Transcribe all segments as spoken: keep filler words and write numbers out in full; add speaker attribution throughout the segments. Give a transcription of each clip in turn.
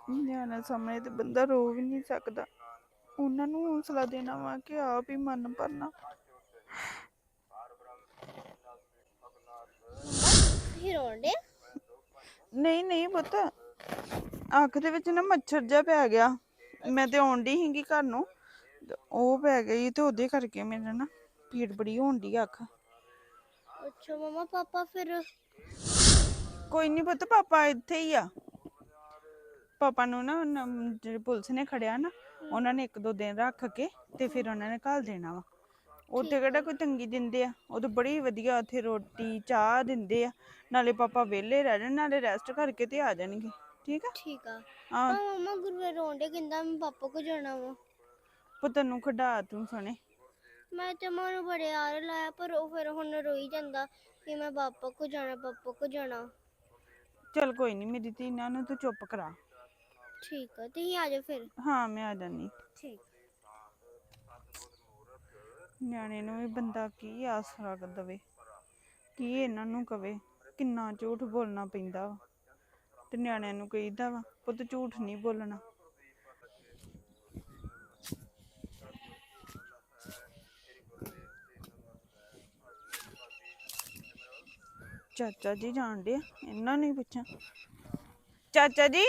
Speaker 1: ਨਿਆਣੇ ਸਾਹਮਣੇ ਤੇ ਬੰਦਾ ਰੋ ਵੀ ਨਹੀਂ ਸਕਦਾ। ਉਹਨਾਂ ਨੂੰ ਹੌਸਲਾ ਦੇਣਾ ਵਾ ਕਿ ਆਪ ਹੀ ਮਨ ਭਰਨਾ।
Speaker 2: ਤੁਸੀਂ ਰੋਣ ਡੇ?
Speaker 1: ਨਹੀਂ ਨਹੀਂ ਪੁੱਤ, ਅੱਖ ਦੇ ਵਿੱਚ ਨਾ ਮੱਛਰ ਜਿਹਾ ਪੈ ਗਿਆ। ਮੈਂ ਤੇ ਆਉਣ ਡਈ ਸੀਗੀ ਘਰ ਨੂੰ, ਉਹ ਪੈ ਗਈ ਤੇ ਉਹਦੇ ਕਰਕੇ ਮੇਰੇ ਨਾ ਪੀੜ ਬੜੀ ਹੋਣ ਡਈ ਅੱਖ।
Speaker 2: ਅੱਛਾ ਮਮਾ, ਪਾਪਾ ਫਿਰ?
Speaker 1: ਕੋਈ ਨਹੀਂ ਪੁੱਤ, ਪਾਪਾ ਇੱਥੇ ਹੀ ਆ। ਪਾਪਾ ਨੂੰ ਨਾ ਜਿਹੜੇ ਪੁਲਿਸ ਨੇ ਖੜਿਆ ਨਾ, ਉਹਨਾਂ ਨੇ ਇੱਕ ਦੋ ਦਿਨ ਰੱਖ ਕੇ ਤੇ ਫਿਰ ਉਹਨਾਂ ਨੇ ਘੱਲ ਦੇਣਾ ਵਾ। ਉੱਥੇ ਕਿਹੜਾ ਕੋਈ ਤੰਗੀ ਦਿੰਦੇ ਆ, ਉਹ ਤਾਂ ਬੜੀ ਵਧੀਆ ਉੱਥੇ ਰੋਟੀ ਚਾਹ ਦਿੰਦੇ ਆ। ਨਾਲੇ ਪਾਪਾ ਵਿਹਲੇ ਰਹਿ ਜਾਣ, ਨਾਲੇ ਰੈਸਟ ਕਰਕੇ ਤੇ ਆ ਜਾਣਗੇ। ਠੀਕ ਆ
Speaker 2: ਠੀਕ ਆ।
Speaker 1: ਹਾਂ
Speaker 2: ਪਰ ਮਮਾ ਗੁਰੂਆ ਰੋਣ ਡੇ, ਕਹਿੰਦਾ ਮੈਂ ਪਾਪਾ ਕੋ ਜਾਣਾ ਵਾ।
Speaker 1: ਪੁੱਤ ਨੂੰ ਖੜਾ ਤੂੰ ਸੁਣੇ।
Speaker 2: ਮੈਂ ਤੇ ਮਨ ਬੜੇ ਆਰੇ ਲਾਇਆ, ਪਰ ਉਹ ਫਿਰ ਹੁਣ ਰੋਈ ਜਾਂਦਾ ਕਿ ਮੈਂ ਪਾਪਾ ਕੋ ਜਾਣਾ, ਪਾਪਾ ਕੋ ਜਾਣਾ।
Speaker 1: ਚੱਲ ਕੋਈ ਨਹੀਂ ਮੇਰੀ ਧੀ, ਇਹਨਾਂ ਨੂੰ ਤੂੰ ਚੁੱਪ ਕਰਾ।
Speaker 2: ਠੀਕ ਆ, ਤੁਸੀਂ ਆ ਜਾਓ ਫਿਰ।
Speaker 1: ਹਾਂ ਮੈਂ ਆ ਜਾਨੀ।
Speaker 2: ਠੀਕ।
Speaker 1: ਨਿਆਣੇ ਨੂੰ ਵੀ ਬੰਦਾ ਕੀ ਆਸਰਾ ਦੇਵੇ, ਕੀ ਇਹਨਾਂ ਨੂੰ ਕਵੇ। ਕਿੰਨਾ ਝੂਠ ਬੋਲਣਾ ਪੈਂਦਾ ਵਾ, ਤੇ ਨਿਆਣਿਆਂ ਨੂੰ ਕਹੀਦਾ ਵਾ ਪੁੱਤ ਝੂਠ ਨਹੀਂ ਬੋਲਣਾ। ਚਾਚਾ ਜੀ ਜਾਣ ਡੇ, ਇਹਨਾਂ ਨੂੰ ਹੀ ਪੁੱਛਾਂ। ਚਾਚਾ ਜੀ,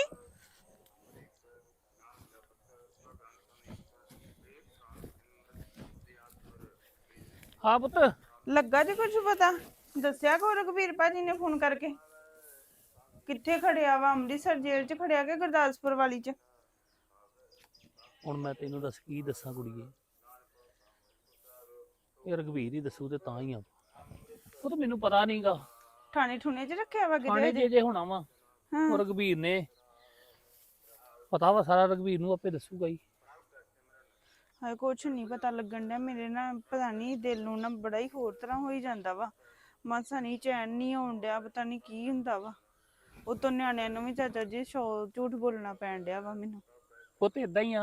Speaker 3: ਹਾਂ ਪੁੱਤ।
Speaker 1: ਲੱਗਾ ਜੀ ਕੁਝ ਪਤਾ? ਦੱਸਿਆ ਕੋ ਰਘਬੀਰ ਭਾਜੀ ਨੇ ਫੋਨ ਕਰਕੇ? ਕਿੱਥੇ ਖੜਿਆ ਵਾ, ਅੰਮ੍ਰਿਤਸਰ ਜੇਲ੍ਹ 'ਚ ਖੜਿਆ ਕਿ ਗੁਰਦਾਸਪੁਰ ਵਾਲੀ 'ਚ?
Speaker 3: ਹੁਣ ਮੈਂ ਤੈਨੂੰ ਦੱਸ ਕੀ ਦੱਸਾਂ ਕੁੜੀਏ, ਇਹ ਰਘਬੀਰ ਹੀ ਦੱਸੂ ਤੇ ਤਾਂ ਹੀ ਆ। ਉਹ ਤਾਂ ਮੈਨੂੰ ਪਤਾ ਨਹੀਂਗਾ।
Speaker 1: ਥਾਣੇ ਠੁਣੇ 'ਚ ਰੱਖਿਆ ਵਾ
Speaker 3: ਥਾਣੇ
Speaker 1: ਕਿਤੇ?
Speaker 3: ਜੇ ਜੇ ਹੋਣਾ ਵਾ ਉਹ ਰਘਬੀਰ ਨੇ, ਪਤਾ ਵਾ ਸਾਰਾ ਰਘਬੀਰ ਨੂੰ ਆਪੇ ਦੱਸੂਗਾ ਹੀ।
Speaker 1: ਹਾਏ ਕੁਛ ਨਹੀਂ ਪਤਾ ਲੱਗਣ ਡਿਆ ਮੇਰੇ ਨਾ, ਪਤਾ ਨਹੀਂ ਦਿਲ ਨੂੰ ਨਾ ਬੜਾ ਹੀ ਹੋਰ ਤਰ੍ਹਾਂ ਹੋਈ ਜਾਂਦਾ ਵਾ। ਮਾਸਾ ਨਹੀਂ ਚੈਨ ਨਹੀਂ ਆਉਣ ਡਿਆ, ਪਤਾ ਨਹੀਂ ਕੀ ਹੁੰਦਾ ਵਾ। ਉਤੋਂ ਨਿਆਣਿਆਂ ਨੂੰ ਵੀ ਚਾਚਾ ਜੀ ਸ਼ੋ ਝੂਠ ਬੋਲਣਾ ਪੈਣ ਡਿਆ ਵਾ ਮੈਨੂੰ।
Speaker 3: ਪੁੱਤ ਏਦਾਂ ਹੀ ਆ,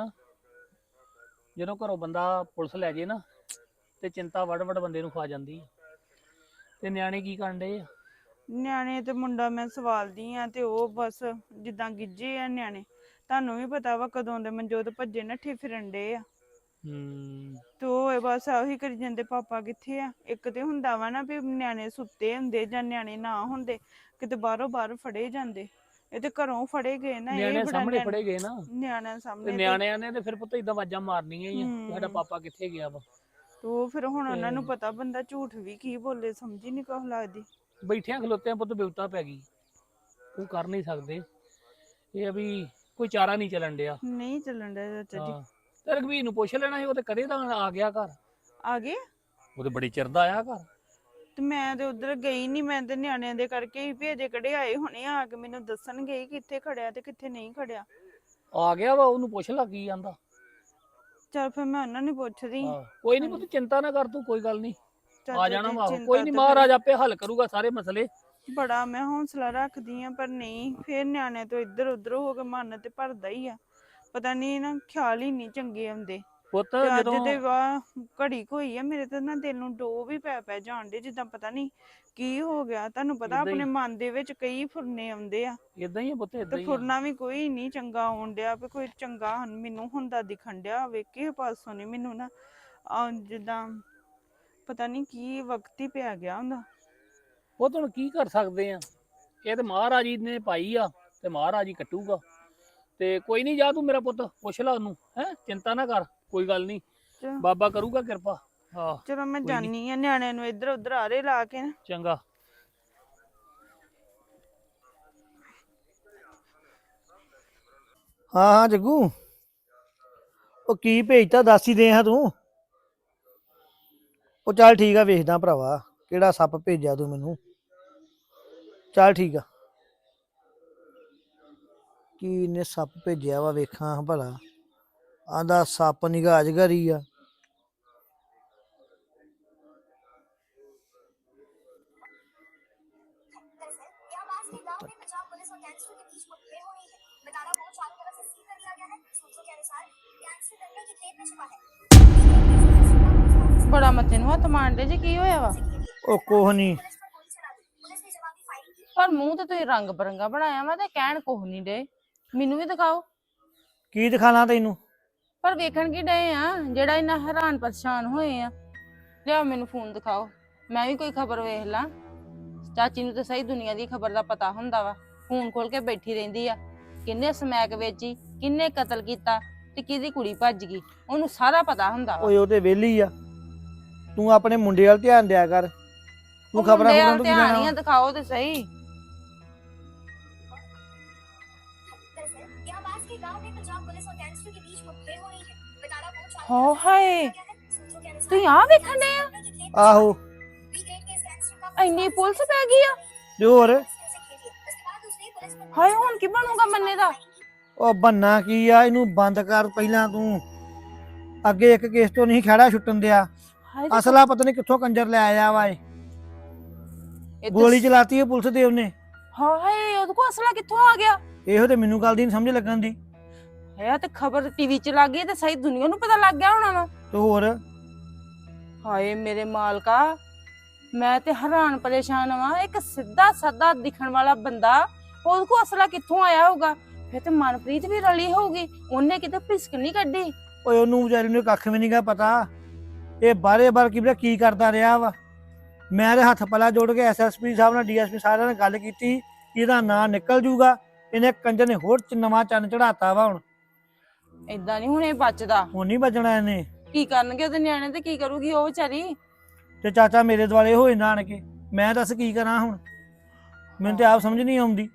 Speaker 3: ਜਦੋਂ ਘਰੋਂ ਬੰਦਾ ਪੁਲਿਸ ਲੈ ਜੇ ਨਾ ਤੇ ਚਿੰਤਾ ਵੜ ਵੜ ਬੰਦੇ ਨੂੰ ਖਾ ਜਾਂਦੀ ਆ। ਤੇ ਨਿਆਣੇ ਕੀ ਕਰਨ ਡੇ ਆ?
Speaker 1: ਨਿਆਣੇ ਤੇ ਮੁੰਡਾ ਮੈਂ ਸਵਾਲਦੀ ਆ ਤੇ ਉਹ ਬਸ ਜਿੱਦਾਂ ਗਿੱਜੇ ਆ ਨਿਆਣੇ। ਤੁਹਾਨੂੰ ਵੀ ਪਤਾ ਵਾ ਕਦੋਂ ਦੇ ਮਨਜੋਤ ਭੱਜੇ ਨੱਠੇ ਫਿਰਨ ਡੇ ਆ।
Speaker 3: ਹੂੰ
Speaker 1: ਤੇ ਉਹ ਬਸ ਉਹੀ ਕਰੀ ਜਾਂਦੇ ਪਾਪਾ ਕਿੱਥੇ ਆ। ਇੱਕ ਤੇ ਹੁੰਦਾ ਵਾ ਨਾ ਵੀ ਨਿਆਣੇ ਸੁੱਤੇ ਹੁੰਦੇ ਜਾਂ ਨਿਆਣੇ ਨਾ ਹੁੰਦੇ, ਕਿਤੇ ਬਾਹਰੋਂ ਬਾਹਰ ਫੜੇ ਜਾਂਦੇ। ਇਹ ਤੇ ਘਰੋਂ ਫੜੇ ਗਏ ਨਾ, ਇਹ
Speaker 3: ਨਿਆਣੇ
Speaker 1: ਬੜਾ
Speaker 3: ਸਾਹਮਣੇ ਫੜੇ ਗਏ ਨਾ,
Speaker 1: ਨਿਆਣਿਆਂ
Speaker 3: ਤੇ
Speaker 1: ਸਾਹਮਣੇ।
Speaker 3: ਨਿਆਣਿਆਂ ਨੇ ਤੇ ਫਿਰ ਪੁੱਤ ਏਦਾਂ ਆਵਾਜ਼ਾਂ ਮਾਰਨੀਆਂ ਹੀ ਆ, ਸਾਡਾ ਪਾਪਾ ਕਿੱਥੇ ਗਿਆ ਵਾ।
Speaker 1: ਤੇ ਉਹ ਫਿਰ ਹੁਣ ਉਹਨਾਂ ਨੂੰ ਪਤਾ ਬੰਦਾ ਝੂਠ ਵੀ ਕੀ ਬੋਲੇ, ਸਮਝ ਹੀ ਨਹੀਂ ਕੁਛ ਲੱਗਦੀ।
Speaker 3: ਬੈਠਿਆਂ ਖਲੋਤਿਆਂ ਪੁੱਤ ਬਿਪਤਾ ਪੈ ਗਈ, ਉਹ ਕਰ ਨਹੀਂ ਸਕਦੇ। ਇਹ ਆ ਵੀ ਕੋਈ ਚਾਰਾ ਨਹੀਂ ਚੱਲਣ ਡਿਆ।
Speaker 1: ਨਹੀਂ ਚੱਲਣ ਡਿਆ ਚਾਚਾ ਜੀ।
Speaker 3: ਤੇ ਰਘਬੀਰ ਨੂੰ ਪੁੱਛ ਲੈਣਾ ਸੀ, ਉਹ ਤੇ ਕਦੇ ਦਾ ਆ ਗਿਆ ਘਰ।
Speaker 1: ਆ ਗਏ?
Speaker 3: ਉਹ ਤੇ ਬੜੀ ਚਿਰ ਦਾ ਆਇਆ ਘਰ।
Speaker 1: ਤੇ ਮੈਂ ਤੇ ਉਧਰ ਗਈ ਨਹੀਂ, ਮੈਂ ਤੇ ਨਿਆਣਿਆਂ ਦੇ ਕਰਕੇ ਹੀ ਭੇਜੇ ਕਿਹੜੇ ਆਏ ਹੁਣੇ ਆ ਕੇ ਮੈਨੂੰ ਦੱਸਣਗੇ ਕਿੱਥੇ ਖੜਿਆ ਤੇ ਕਿੱਥੇ ਨਹੀਂ ਖੜਿਆ।
Speaker 3: ਆ ਗਿਆ ਵਾ, ਉਹਨੂੰ ਪੁੱਛ ਲਾ ਕੀ ਆਂਦਾ।
Speaker 1: ਚਲ ਫਿਰ ਮੈਂ ਉਹਨਾਂ ਨੂੰ ਪੁੱਛਦੀ।
Speaker 3: ਕੋਈ ਨਹੀਂ ਪੁੱਤ ਚਿੰਤਾ ਨਾ ਕਰ ਤੂੰ, ਕੋਈ ਗੱਲ ਨਹੀਂ ਆ ਜਾਣਾ ਵਾ। ਕੋਈ
Speaker 1: ਚਿੰਤਾ
Speaker 3: ਨਹੀਂ,
Speaker 1: ਤੇ
Speaker 3: ਮਹਾਰਾਜ ਆਪੇ ਹੱਲ ਕਰੂਗਾ ਸਾਰੇ ਮਸਲੇ।
Speaker 1: ਬੜਾ ਮੈਂ ਹੌਸਲਾ ਰੱਖਦੀ ਆ, ਪਰ ਨਹੀਂ, ਫਿਰ ਨਿਆਣੇ ਤੋਂ ਇੱਧਰ ਉੱਧਰ ਹੋ ਕੇ ਮਨ ਤੇ ਭਰਦਾ ਹੀ ਆ। ਪਤਾ ਨਹੀਂ ਨਾ, ਖਿਆਲ ਹੀ ਨਹੀਂ ਚੰਗੇ ਆਉਂਦੇ।
Speaker 3: ਪੁੱਤ
Speaker 1: ਤੇ ਅੱਜ
Speaker 3: ਜਦੋਂ
Speaker 1: ਦੇ ਵਾਹ ਘੜੀ ਹੋਈ ਆ, ਮੇਰੇ ਤੇ ਨਾ ਦਿਲ ਨੂੰ ਡੋ ਵੀ ਪੈ ਪੈ ਜਾਣ ਡੇ, ਜਿੱਦਾਂ ਪਤਾ ਨਹੀਂ ਕੀ ਹੋ ਗਿਆ। ਤੁਹਾਨੂੰ ਪਤਾ ਆਪਣੇ ਮਨ ਦੇ ਵਿੱਚ ਕਈ ਫੁਰਨੇ ਆਉਂਦੇ ਆ।
Speaker 3: ਇਦਾਂ ਹੀ ਆ ਪੁੱਤ, ਇਦਾਂ
Speaker 1: ਤੇ
Speaker 3: ਹੀ ਆ।
Speaker 1: ਫੁਰਨਾ ਵੀ ਕੋਈ ਨਹੀਂ ਚੰਗਾ ਆਉਣ ਡਿਆ, ਵੀ ਕੋਈ ਚੰਗਾ ਮੈਨੂੰ ਹੁੰਦਾ ਦਿਖਣ ਡਿਆ। ਵੇਖੇ ਪਾਸੋਂ ਨੀ ਮੈਨੂੰ ਨਾ ਜਿੱਦਾਂ ਪਤਾ ਨਹੀਂ ਕੀ ਵਕਤ ਹੀ ਪਿਆ ਗਿਆ ਹੁੰਦਾ।
Speaker 3: ਉਹ ਹੁਣ ਕੀ ਕਰ ਸਕਦੇ ਆ, ਇਹ ਤੇ ਮਹਾਰਾਜ ਜੀ ਨੇ ਪਾਈ ਆ ਤੇ ਮਹਾਰਾਜ ਹੀ ਕੱਟੂਗਾ। ਤੇ ਕੋਈ ਨਹੀਂ, ਜਾ ਤੂੰ ਮੇਰਾ ਪੁੱਤ ਪੁੱਛ ਲਾ ਉਹਨੂੰ, ਹੈ ਚਿੰਤਾ ਨਾ ਕਰ, ਕੋਈ ਗੱਲ ਨਹੀਂ, ਬਾਬਾ ਕਰੂਗਾ ਕਿਰਪਾ। ਹਾਂ
Speaker 1: ਚਲੋ ਮੈਂ ਜਾਨੀ ਆ, ਨਿਆਣਿਆਂ ਨੂੰ ਇੱਧਰ ਉੱਧਰ ਆਰੇ ਲਾ ਕੇ ਨਾ।
Speaker 3: ਚੰਗਾ।
Speaker 4: ਹਾਂ ਹਾਂ ਜੱਗੂ, ਉਹ ਕੀ ਭੇਜਤਾ ਦੱਸ ਹੀ ਦੇ ਹਾਂ ਤੂੰ। ਉਹ ਚੱਲ ਠੀਕ ਆ, ਵੇਖਦਾ ਭਰਾਵਾ ਕਿਹੜਾ ਸੱਪ ਭੇਜਿਆ ਤੂੰ ਮੈਨੂੰ। ਚੱਲ ਠੀਕ ਆ, ਕੀ ਇਹਨੇ ਸੱਪ ਭੇਜਿਆ ਵਾ ਵੇਖਾਂ ਭਲਾ। ਆਂਦਾ ਸੱਪ ਨਿਗਾਹ ਅਜਗਰੀ ਆ।
Speaker 1: ਬੜਾ ਮੱਥੇ ਨੂੰ ਹੱਥ ਮਾਰਦੇ ਜੀ, ਕੀ ਹੋਇਆ ਵਾ?
Speaker 4: ਉਹ ਕੁਛ ਨੀ।
Speaker 1: ਪਰ ਮੂੰਹ ਤੇ ਤੁਸੀਂ ਰੰਗ ਬਰੰਗਾ ਬਣਾਇਆ ਵਾ ਤੇ ਕਹਿਣ ਕੁਛ ਨਹੀਂ ਡੇ।
Speaker 5: ਮੈਨੂੰ ਵੀ ਦਿਖਾਓ।
Speaker 4: ਕੀ ਦਿਖਾਣਾ ਤੈਨੂੰ?
Speaker 5: ਪਰ ਵੇਖਣ ਕੀ ਡਏ ਆ ਜਿਹੜਾ ਇੰਨਾ ਹੈਰਾਨ ਪਰੇਸ਼ਾਨ ਹੋਏ ਆ? ਲਿਆਓ ਮੈਨੂੰ ਫੋਨ ਦਿਖਾਓ, ਮੈਂ ਵੀ ਕੋਈ ਖਬਰ ਵੇਖ ਲਾਂ। ਚਾਚੀ ਨੂੰ ਤਾਂ ਸਹੀ ਦੁਨੀਆ ਦੀ ਖਬਰ ਦਾ ਪਤਾ ਹੁੰਦਾ ਵਾ, ਫੋਨ ਖੋਲ ਕੇ ਬੈਠੀ ਰਹਿੰਦੀ ਆ। ਕਿੰਨੇ ਸਮੈਕ ਵੇਚੀ, ਕਿੰਨੇ ਕਤਲ ਕੀਤਾ ਤੇ ਕਿਹਦੀ ਕੁੜੀ ਭੱਜ ਗਈ, ਉਹਨੂੰ ਸਾਰਾ ਪਤਾ ਹੁੰਦਾ ਵਾ।
Speaker 4: ਓਏ ਉਹ ਤੇ ਵਿਹਲੀ ਆ, ਤੂੰ ਆਪਣੇ ਮੁੰਡੇ ਵੱਲ ਧਿਆਨ ਦਿਆ ਕਰ। ਤੂੰ
Speaker 5: ਉਹ
Speaker 4: ਖਬਰਾਂ
Speaker 5: ਮੁੰਡੇ
Speaker 4: ਖਬਰਾਂ
Speaker 5: ਵੱਲ
Speaker 4: ਤੋਂ ਕੀ
Speaker 5: ਧਿਆਨ
Speaker 4: ਲੈਣਾ
Speaker 5: ਹੀ ਆ,
Speaker 4: ਵਾ?
Speaker 5: ਦਿਖਾਓ ਤੇ ਸਹੀ।
Speaker 6: दरअसल यहाँ पास के गांव में पंजाब पुलिस और गैंगस्टर के बीच मुठभेड़ हो रही है। बतारा पहुंच वाले
Speaker 5: ਹੋ ਹਾਏ,
Speaker 6: सूत्रों के अनुसार
Speaker 5: ਤੁਸੀਂ ਆ ਵੇਖਣ ਡਏ ਆ?
Speaker 4: ਆਹੋ
Speaker 6: वीकेंड के इस गैंगस्टर का
Speaker 5: ਇੰਨੀ ਪੁਲਿਸ ਪੈ ਗਈ ਆ?
Speaker 4: ਤੇ ਹੋਰ
Speaker 6: उससे खेल लिया। उसके बाद उसने पुलिस पर
Speaker 5: ਹਾਏ ਹੁਣ ਕੀ ਬਣੂਗਾ ਮੰਨੇ ਦਾ?
Speaker 4: ਉਹ ਬੰਨਾ ਕੀ ਆ, ਇਹਨੂੰ ਬੰਦ ਕਰ ਪਹਿਲਾਂ ਤੂੰ। ਅੱਗੇ ਇੱਕ ਕੇਸ ਤੋਂ ਨਹੀਂ ਖੜਾ ਛੁੱਟਣ ਦਿਆ।
Speaker 5: ਹਾਏ ਤੇ
Speaker 4: ਅਸਲਾ ਪਤਾ ਨਹੀਂ ਕਿੱਥੋਂ ਕੰਜਰ ਲੈ ਆਇਆ ਵਾ ਇਹ।
Speaker 5: ਇਹ ਤਾਂ-
Speaker 4: ਗੋਲੀ ਚਲਾਤੀ ਹੈ ਪੁਲਿਸ ਦੇ ਉਹਨੇ।
Speaker 5: ਹਾਏ ਉਹਦੇ ਕੋਲ ਅਸਲਾ ਕਿੱਥੋਂ ਆ ਗਿਆ?
Speaker 4: ਇਹੋ ਤੇ ਮੈਨੂੰ ਗੱਲ ਦੀ ਨੀ ਸਮਝ ਲੱਗਣ ਦੀ।
Speaker 5: ਹੈ ਤੇ ਖਬਰ ਟੀਵੀ 'ਚ ਲੱਗ ਗਈ ਤੇ ਸਹੀ ਦੁਨੀਆ ਨੂੰ ਪਤਾ ਲੱਗ ਗਿਆ ਹੋਣਾ ਵਾ।
Speaker 4: ਤੇ ਹੋਰ
Speaker 5: ਹਾਏ ਮੇਰੇ ਮਾਲਕਾ, ਮੈਂ ਤੇ ਹੈਰਾਨ ਪਰੇਸ਼ਾਨ ਵਾਂ। ਇੱਕ ਸਿੱਧਾ ਸਾਦਾ ਦਿਖਣ ਵਾਲਾ ਬੰਦਾ, ਉਹਦੇ ਕੋਲ ਅਸਲਾ ਕਿੱਥੋਂ ਆਇਆ ਹੋਊਗਾ? ਫਿਰ ਤੇ ਮਨਪ੍ਰੀਤ ਵੀ ਰਲੀ ਹੋਊਗੀ, ਉਹਨੇ ਕਿਤੇ ਪਿਸਕ ਨਹੀਂ ਕੱਢੀ।
Speaker 4: ਓਏ ਉਹਨੂੰ ਵਿਚਾਰੀ ਨੂੰ ਕੱਖ ਵੀ ਨਹੀਂਗਾ ਪਤਾ। ਇਹ ਬਾਰੇ ਬਾਰ ਕੀ ਪਤਾ ਕੀ ਕਰਦਾ ਰਿਹਾ ਵਾ। ਮੈਂ ਤੇ ਹੱਥ ਪਲਾ ਜੋੜ ਕੇ ਐਸਐਸਪੀ ਸਾਹਿਬ ਨਾਲ ਡੀਐਸਪੀ ਸਾਰਿਆਂ ਨਾਲ ਗੱਲ ਕੀਤੀ ਕਿ ਇਹਦਾ ਨਾਂ ਨਿਕਲ ਜੂਗਾ। ਇਹਨੇ ਕੰਜਰ ਨੇ ਹੋਰ ਚ ਨਵਾਂ ਚੰਨ ਚੜਾਤਾ ਵਾ। ਹੁਣ
Speaker 5: ਏਦਾਂ ਨਹੀਂ ਹੁਣ ਇਹ ਬਚਦਾ।
Speaker 4: ਹੁਣ ਨਹੀਂ ਬਚਣਾ ਇਹਨੇ।
Speaker 5: ਕੀ ਕਰਨਗੇ ਉਹਦੇ ਨਿਆਣੇ ਤੇ ਕੀ ਕਰੂਗੀ ਉਹ ਵਿਚਾਰੀ?
Speaker 4: ਤੇ ਚਾਚਾ ਮੇਰੇ ਦੁਆਲੇ ਹੋਏ ਨਾ ਆਣ ਕੇ, ਮੈਂ ਦੱਸ ਕੀ ਕਰਾਂ ਹੁਣ? ਮੈਨੂੰ ਤੇ ਆਪ ਸਮਝ ਨਹੀਂ ਆਉਂਦੀ।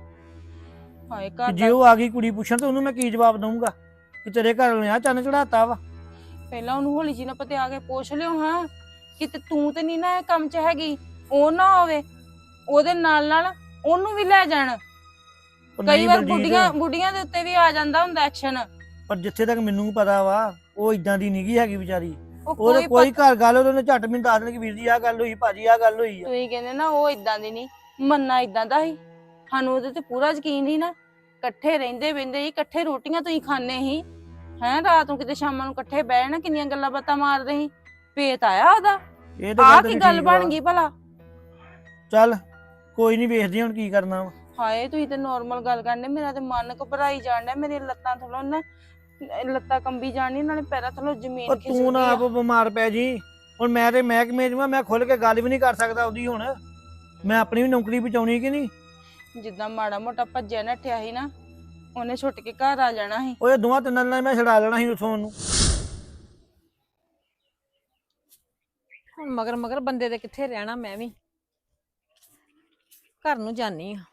Speaker 5: ਹਾਏ
Speaker 4: ਕਿ
Speaker 5: ਘਰ
Speaker 4: ਜੇ
Speaker 5: ਦਾ
Speaker 4: ਉਹ ਆ ਗਈ ਕੁੜੀ ਪੁੱਛਣ ਤੇ ਉਹਨੂੰ ਮੈਂ ਕੀ ਜਵਾਬ ਦਊਂਗਾ ਕਿ ਤੇਰੇ ਘਰ ਵਾਲੇ ਆ ਚੰਨ ਚੜਾਤਾ ਵਾ।
Speaker 5: ਪਹਿਲਾਂ ਉਹਨੂੰ ਹੌਲੀ ਜੀ ਨਾਲ ਪਤਿਆ ਕੇ ਪੁੱਛ ਲਿਓ ਹਾਂ, ਕਿਤੇ ਤੂੰ ਤੇ ਨਹੀਂ ਨਾ ਇਹ ਕੰਮ 'ਚ ਹੈਗੀ। ਉਹ ਨਾ ਹੋਵੇ ਉਹਦੇ ਨਾਲ ਨਾਲ ਉਹਨੂੰ ਵੀ ਲੈ ਜਾਣ।
Speaker 4: ਉਹ
Speaker 5: ਕਈ
Speaker 4: ਨਹੀਂ
Speaker 5: ਵਾਰ
Speaker 4: ਬਲਜੀਤ,
Speaker 5: ਬੁੱਢੀਆਂ ਬੁੱਢੀਆਂ ਦੇ ਉੱਤੇ ਵੀ ਆ ਜਾਂਦਾ ਹੁੰਦਾ ਐਕਸ਼ਨ।
Speaker 4: ਪਰ ਜਿੱਥੇ ਤੱਕ ਮੈਨੂੰ ਪਤਾ ਵਾ ਉਹ ਇਦਾਂ ਦੀ ਨਹੀਂਗੀ ਹੈਗੀ ਵਿਚਾਰੀ।
Speaker 5: ਉਹ
Speaker 4: ਉਹਦੇ
Speaker 5: ਕੋਈ
Speaker 4: ਕੋਈ
Speaker 5: ਪਤਾ-
Speaker 4: ਘਰ ਗੱਲ ਉਹਨੇ ਝੱਟ ਮੈਨੂੰ ਦੱਸ ਦੇਣ ਕਿ ਵੀਰ ਜੀ ਆਹ ਗੱਲ ਹੋਈ, ਭਾਜੀ ਆਹ ਗੱਲ ਹੋਈ ਆ।
Speaker 5: ਤੁਸੀਂ ਕਹਿੰਦੇ ਨਾ ਉਹ ਇਦਾਂ ਦੀ ਨਹੀਂ, ਮੰਨਾ ਇਦਾਂ ਦਾ ਸੀ। ਸਾਨੂੰ ਉਹਦੇ ਤੇ ਪੂਰਾ ਯਕੀਨ ਸੀ ਨਾ। ਇਕੱਠੇ ਰਹਿੰਦੇ ਬਹਿੰਦੇ ਸੀ, ਇਕੱਠੇ ਰੋਟੀਆਂ ਤੁਸੀਂ ਖਾਣੇ ਸੀ ਹੈਂ। ਰਾਤ ਨੂੰ ਕਿਤੇ ਸ਼ਾਮਾਂ ਨੂੰ ਇਕੱਠੇ ਬਹਿਣਾ, ਕਿੰਨੀਆਂ ਗੱਲਾਂ ਬਾਤਾਂ ਮਾਰਦੇ ਸੀ। ਭੇਤ ਆਇਆ ਉਹਦਾ।
Speaker 4: ਇਹ ਤਾਂ
Speaker 5: ਆਹ
Speaker 4: ਗੱਲ
Speaker 5: ਕੀ
Speaker 4: ਤੇਰੀ
Speaker 5: ਗੱਲ
Speaker 4: ਠੀਕ
Speaker 5: ਬਣ
Speaker 4: ਵਾ।
Speaker 5: ਗਈ ਭਲਾ?
Speaker 4: ਚੱਲ ਕੋਈ ਨਹੀਂ, ਵੇਖਦੇ ਹੁਣ ਕੀ ਕਰਨਾ ਵਾ।
Speaker 5: ਹਾਏ ਤੁਸੀਂ ਤੇ ਨਾਰਮਲ ਗੱਲ ਕਰਨੇ, ਮੇਰਾ ਤੇ ਮਨ ਘਬਰਾਈ ਜਾਣ ਡਿਆ। ਮੇਰੀਆਂ ਲੱਤਾਂ ਥੱਲੋਂ ਨਾ ਲੱਤਾਂ ਕੰਬੀ ਜਾਣੀ, ਨਾਲੇ ਪੈਰਾਂ ਥੱਲੋਂ ਜ਼ਮੀਨ
Speaker 4: ਉਹ
Speaker 5: ਖਿਸਕ
Speaker 4: ਤੂੰ ਨਾ
Speaker 5: ਗਈ
Speaker 4: ਆਪ
Speaker 5: ਆ।
Speaker 4: ਬਿਮਾਰ ਪੈ ਜੀ। ਹੁਣ ਮੈਂ ਤੇ ਮਹਿਕਮੇ 'ਚ ਵਾਂ, ਮੈਂ ਖੁੱਲ ਕੇ ਗੱਲ ਵੀ ਨਹੀਂ ਕਰ ਸਕਦਾ ਉਹਦੀ। ਹੁਣ ਮੈਂ ਆਪਣੀ ਵੀ ਨੌਕਰੀ ਬਚਾਉਣੀ ਕਿ ਨਹੀਂ?
Speaker 5: ਜਿੱਦਾਂ ਮਾੜਾ ਮੋਟਾ ਭੱਜਿਆ ਨੱਠਿਆ ਸੀ ਨਾ, ਉਹਨੇ ਛੁੱਟ ਕੇ ਘਰ ਆ ਜਾਣਾ ਸੀ।
Speaker 4: ਉਹ ਇਹ ਦੋਵਾਂ ਤਿੰਨਾਂ ਨਾਲ ਮੈਂ ਛਡਾ ਲੈਣਾ ਸੀ ਉਥੋਂ ਉਹਨੂੰ।
Speaker 7: ਹੁਣ ਮਗਰ ਮਗਰ ਬੰਦੇ ਦੇ ਕਿੱਥੇ ਰਹਿਣਾ, ਮੈਂ ਵੀ ਘਰ ਨੂੰ ਜਾਨੀ ਆ।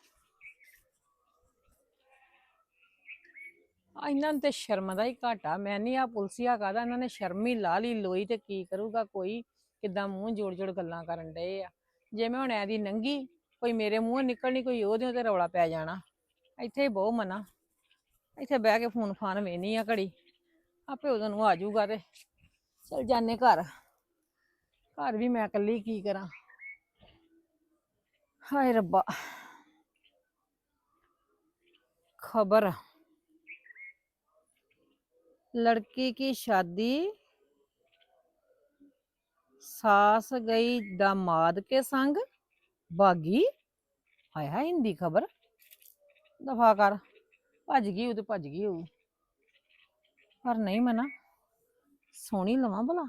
Speaker 7: ਆ ਇਹਨਾਂ ਨੂੰ ਤੇ ਸ਼ਰਮ ਦਾ ਹੀ ਘਾਟਾ। ਮੈਂ ਨਹੀਂ ਆ ਪੁਲਸੀਆ ਕਾਹਦਾ, ਇਹਨਾਂ ਨੇ ਸ਼ਰਮ ਹੀ ਲਾ ਲਈ ਲੋਈ। ਤੇ ਕੀ ਕਰੂਗਾ ਕੋਈ? ਕਿੱਦਾਂ ਮੂੰਹ ਜੋੜ ਜੋੜ ਗੱਲਾਂ ਕਰਨ ਡਏ ਆ। ਜੇ ਮੈਂ ਹੁਣ ਐਦੀ ਨੰਗੀ, ਕੋਈ ਮੇਰੇ ਮੂੰਹੋਂ ਨਿਕਲਣੀ, ਕੋਈ ਉਹਦੇ ਤੇ ਰੌਲਾ ਪੈ ਜਾਣਾ। ਇੱਥੇ ਹੀ ਬਹੁ ਮਨਾ, ਇੱਥੇ ਬਹਿ ਕੇ ਫੋਨ ਫਾਨ ਵੇਹਨੀ ਆ ਘੜੀ, ਆਪੇ ਉਦੋਂ ਨੂੰ ਆ ਜਾਊਗਾ। ਤੇ ਚਲ ਜਾਨੇ ਘਰ। ਘਰ ਵੀ ਮੈਂ ਇਕੱਲੀ ਕੀ ਕਰਾਂ? ਹਾਏ ਰੱਬਾ। खबर, लड़की की शादी, सास गई दामाद के संग भागी। हाय हाय हिंदी खबर, दफा कर। भज गई हो तो भज गई हो, पर नहीं मना सोनी लवां भला।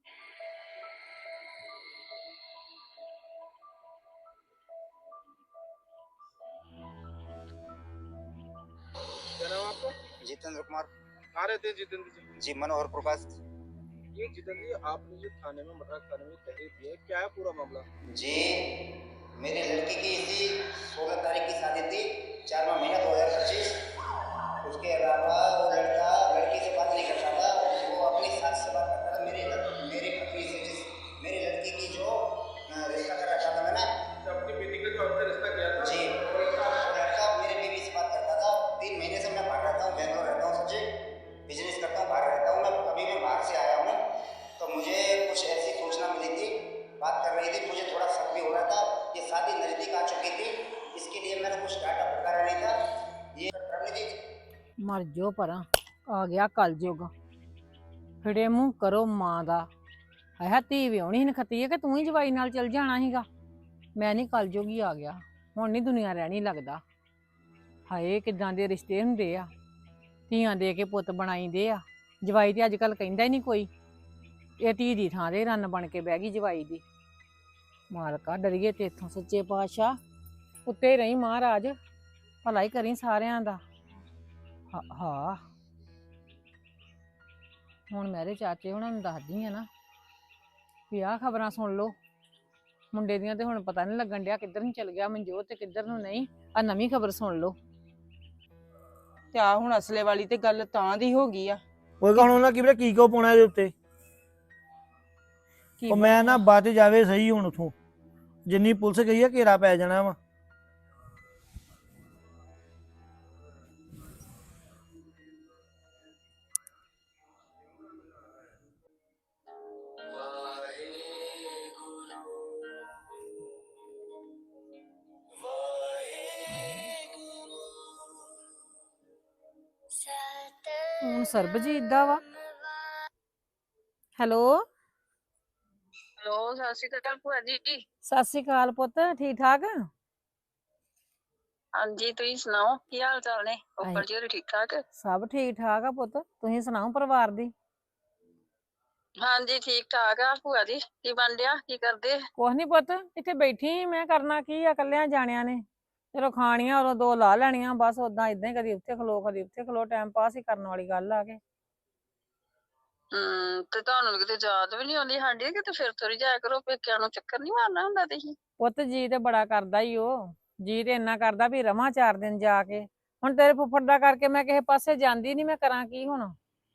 Speaker 8: क्या नाम है आपका?
Speaker 9: जितेंद्र कुमार।
Speaker 8: कहाँ रहते हैं जितेंद्र जी?
Speaker 9: जी मनोहर प्रकाश।
Speaker 8: ये जितेंद्र जी, आपने जो थाने में मद्रास थाने में तहरीर दी है, क्या है पूरा मामला?
Speaker 9: जी मेरी लड़की की इसी सोलह तारीख की शादी थी, चारवा महीना दो हजार पच्चीस। उसके अलावा वो लड़का लड़की से बात नहीं करता था, वो अपनी सास से बात करता था। मेरी लड़- मेरी पत्नी से, जिस मेरी लड़की की जो अ, रिश्ता कर रखा था मैंने,
Speaker 8: तो अपनी बेटी का जो आपने रिश्ता किया था,
Speaker 9: जी वो लड़का मेरी बीवी से बात करता था। तीन महीने से मैं बाहर रहता हूँ, बेंगलोर रहता हूँ, सच्ची बिजनेस करता हूँ, बाहर रहता हूँ मैं। अभी मैं बाहर से आया हूँ, तो मुझे कुछ ऐसी सूचना मिली थी, बात कर रही थी, मुझे थोड़ा शक भी हो रहा था। ये शादी नजदीक आ चुकी थी, इसके लिए मैंने कुछ डाटा फटकारा नहीं था। ये रणनीति
Speaker 7: मर जो परा, आ गया कलयुग। फिरे मूंह करो मां दा। है धी विआहणी नखती है कि तू ही जवाई नाल चल जाना सीगा। मैं नहीं, कलयुग ही आ गया। हुण नहीं दुनिया रहनी लगदा। ਹਾਏ ਕਿਦਾਂ ਦੇ ਰਿਸ਼ਤੇ ਹੁੰਦੇ ਆ, ਧੀਆਂ ਦੇ ਕੇ ਪੁੱਤ ਬਣਾਈਦੇ ਆ। ਜਵਾਈ ਤੇ ਅੱਜ ਕੱਲ ਕਹਿੰਦਾ ਹੀ ਨਹੀਂ ਕੋਈ, ਇਹ ਧੀ ਦੀ ਥਾਂ ਤੇ ਰੰਨ ਬਣ ਕੇ ਬਹਿ ਗਈ ਜਵਾਈ ਦੀ। ਮਾਲਕਾ ਡਰੀਏ ਤੇ ਇੱਥੋਂ ਸੱਚੇ ਪਾਤਸ਼ਾਹ, ਉੱਤੇ ਰਹੀ ਮਹਾਰਾਜ, ਭਲਾ ਹੀ ਕਰੀ ਸਾਰਿਆਂ ਦਾ। ਹਾਂ ਹਾਂ ਹੁਣ ਮੇਰੇ ਚਾਚੇ ਹੁਣਾਂ ਨੂੰ ਦੱਸਦੀ ਆ ਨਾ ਵੀ ਆਹ ਖਬਰਾਂ ਸੁਣ ਲਓ ਮੁੰਡੇ ਦੀਆਂ, ਤੇ ਹੁਣ ਪਤਾ ਨਹੀਂ ਲੱਗਣ ਡਿਆ ਕਿੱਧਰ ਨੂੰ ਚਲ ਗਿਆ ਮਨਜੋਤ ਤੇ ਕਿੱਧਰ ਨੂੰ ਨਹੀਂ। ਆ ਨਵੀਂ ਖਬਰ ਸੁਣ ਲਓ।
Speaker 5: ਤੇ ਆ ਹੁਣ ਅਸਲੇ ਵਾਲੀ ਤੇ ਗੱਲ ਤਾਂ ਦੀ ਹੋ ਗਈ ਆ।
Speaker 4: ਉਹ ਕਹਣ ਉਹਨਾਂ ਕੀ ਪਤਾ ਕੀ ਕੋ ਪਾਉਣਾ ਇਹਦੇ ਉੱਤੇ।
Speaker 7: ਕੀ
Speaker 4: ਉਹ ਮੈਂ ਨਾ ਬਾਅਦ ਜਾਵੇ ਸਹੀ ਹੁਣ ਉਥੋਂ, ਜਿੰਨੀ ਪੁਲਿਸ ਗਈ ਆ ਘੇਰਾ ਪੈ ਜਾਣਾ ਵਾ।
Speaker 7: ਹੁਣ ਸਰਬਜੀਤ ਦਾ ਵਾ। ਹੈਲੋ
Speaker 10: ਹੈਲੋ, ਸਤਿ ਸ਼੍ਰੀ ਅਕਾਲ ਭੂਆ ਜੀ।
Speaker 7: ਸਤਿ ਸ਼੍ਰੀ ਅਕਾਲ ਪੁੱਤ, ਠੀਕ ਠਾਕ?
Speaker 10: ਹਾਂਜੀ, ਤੁਸੀਂ ਸੁਣਾਓ ਕੀ ਹਾਲ ਚਾਲ ਨੇ? ਉੱਪਰ ਜੀ ਹੋਰੀ ਠੀਕ ਠਾਕ?
Speaker 7: ਸਭ ਠੀਕ ਠਾਕ ਆ ਪੁੱਤ, ਤੁਸੀਂ ਸੁਣਾਓ ਪਰਿਵਾਰ ਦੀ?
Speaker 10: ਹਾਂਜੀ ਠੀਕ ਠਾਕ ਆ ਭੂਆ ਜੀ। ਕੀ ਬਣ ਰਿਹਾ, ਕੀ ਕਰਦੇ?
Speaker 7: ਕੁਛ ਨੀ ਪੁੱਤ, ਇੱਥੇ ਬੈਠੀ ਸੀ, ਮੈਂ ਕਰਨਾ ਕੀ ਆ, ਕੱਲਿਆਂ ਜਾਣਿਆਂ ਨੇ ਚਲੋ ਖਾਣੀਆਂ ਉਦੋਂ ਦੋ ਲਾ ਲੈਣੀਆਂ, ਬਸ ਓਦਾਂ ਇਦਾਂ ਹੀ ਕਦੀ ਉੱਥੇ ਖਲੋ ਕਦੀ ਉੱਥੇ ਖਲੋ, ਟਾਈਮ ਪਾਸ ਹੀ ਕਰਨ ਵਾਲੀ ਗੱਲ ਆ ਕੇ।
Speaker 10: ਹਮ ਤੇ ਤੁਹਾਨੂੰ ਕਿਤੇ ਯਾਦ ਵੀ ਨਹੀਂ ਆਉਂਦੀ ਸਾਡੀ? ਕਿਤੇ ਫਿਰ ਤੁਰੀ ਜਾਇਆ ਕਰੋ, ਪੇਕਿਆਂ ਨੂੰ ਚੱਕਰ ਨਹੀਂ ਮਾਰਨਾ ਹੁੰਦਾ ਤੁਸੀਂ?
Speaker 7: ਪੁੱਤ ਜੀ ਤੇ ਬੜਾ ਕਰਦਾ ਹੀ ਉਹ, ਜੀ ਤੇ ਇੰਨਾ ਕਰਦਾ ਵੀ ਰਵਾਂ ਚਾਰ ਦਿਨ ਜਾ ਕੇ। ਹੁਣ ਤੇਰੇ ਫੁੱਫੜ ਦਾ ਕਰਕੇ ਮੈਂ ਕਿਸੇ ਪਾਸੇ ਜਾਂਦੀ ਨੀ, ਮੈਂ ਕਰਾਂ ਕੀ ਹੁਣ?